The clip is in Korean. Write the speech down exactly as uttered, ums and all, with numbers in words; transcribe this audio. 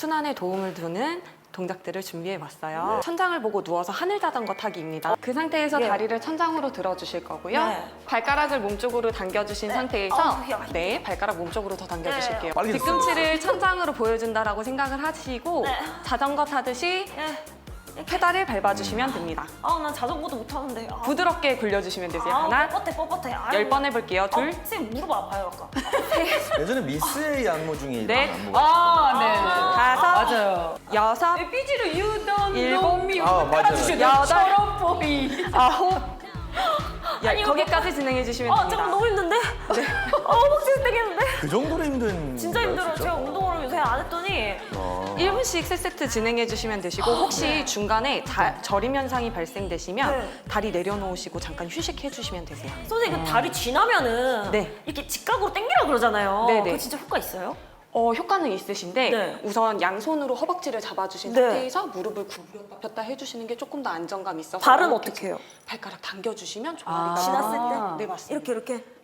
순환에 도움을 주는 동작들을 준비해봤어요. 네. 천장을 보고 누워서 하늘 자전거 타기입니다. 그 상태에서 네. 다리를 천장으로 들어주실 거고요. 네. 발가락을 몸쪽으로 당겨주신 네. 상태에서 어, 야. 네, 발가락 몸쪽으로 더 당겨주실게요. 빨리 뒤꿈치를 천장으로 보여준다라고 생각을 하시고 네. 자전거 타듯이 예. 페달을 밟아주시면 됩니다. 아, 난 자전거도 못 타는데. 아. 부드럽게 굴려주시면 되세요. 아, 하나, 뻣뻣해, 뻣뻣해. 아유. 열 번 해볼게요. 둘, 어, 선생님 무릎 아파요, 아까. 예전에 미스의 안무 중에 넷. 이런 안무가 아, 네. 다섯, 맞아요. 여섯, 삐지를 유던 일곱, 놈이 아, 맞아요. 여덟, 저런 보이. 아홉, 열, 아니, 이거 거기까지 진행해 주시면 아, 됩니다. 잠깐 너무 힘든데? 네. 어, 허벅지 땡기는데? 그 정도로 힘든 진짜 거예요, 힘들어요. 진짜? 제가 운동을 요새 안 했더니. 아. 일 분씩 세 세트 진행해 주시면 되시고 혹시 중간에 자, 저림 현상이 발생되시면 네. 다리 내려놓으시고 잠깐 휴식해 주시면 되세요. 선생님, 그 다리 쥐나면은 네. 이렇게 직각으로 당기라 그러잖아요. 네, 네. 그거 진짜 효과 있어요? 어, 효과는 있으신데 네. 우선 양손으로 허벅지를 잡아주신 네. 상태에서 무릎을 구부렸다 폈다 해주시는 게 조금 더 안정감 있어서 발은 이렇게 어떻게 해요? 발가락 당겨주시면 아. 종아리가 지났을 때? 네, 맞습니다. 이렇게, 이렇게.